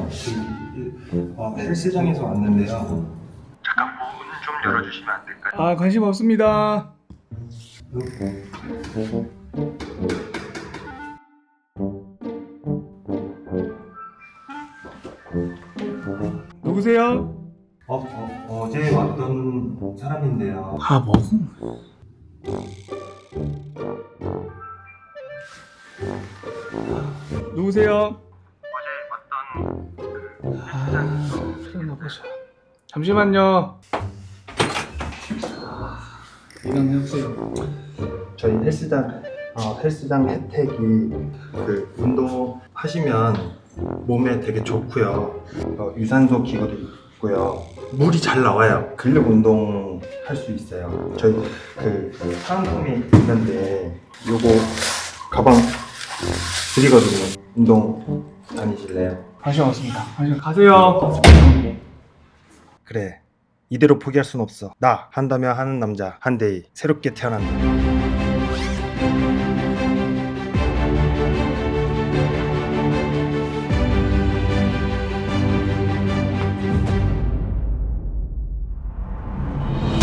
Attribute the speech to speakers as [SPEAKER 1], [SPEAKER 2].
[SPEAKER 1] 헬스장에서 왔는데요.
[SPEAKER 2] 잠깐 문 좀 열어주시면 안 될까요?
[SPEAKER 3] 아, 관심 없습니다. 누구세요?
[SPEAKER 1] 어제 왔던 사람인데요.
[SPEAKER 3] 아, 뭐? 누구세요?
[SPEAKER 2] 어제 왔던
[SPEAKER 3] 그러나 보자. 잠시만요. 일어나세요.
[SPEAKER 1] 저희 헬스장 혜택이 그 운동하시면 몸에 되게 좋고요. 유산소 기구도 있고요. 물이 잘 나와요. 근력 운동 할 수 있어요. 저희 그 사은품이 있는데 요거 가방 드리거든요. 운동 다니실래요?
[SPEAKER 3] 관심 없습니다. 관심 가세요.
[SPEAKER 1] 그래, 이대로 포기할 순 없어. 나 한다면 하는 남자 한대희 새롭게 태어난다.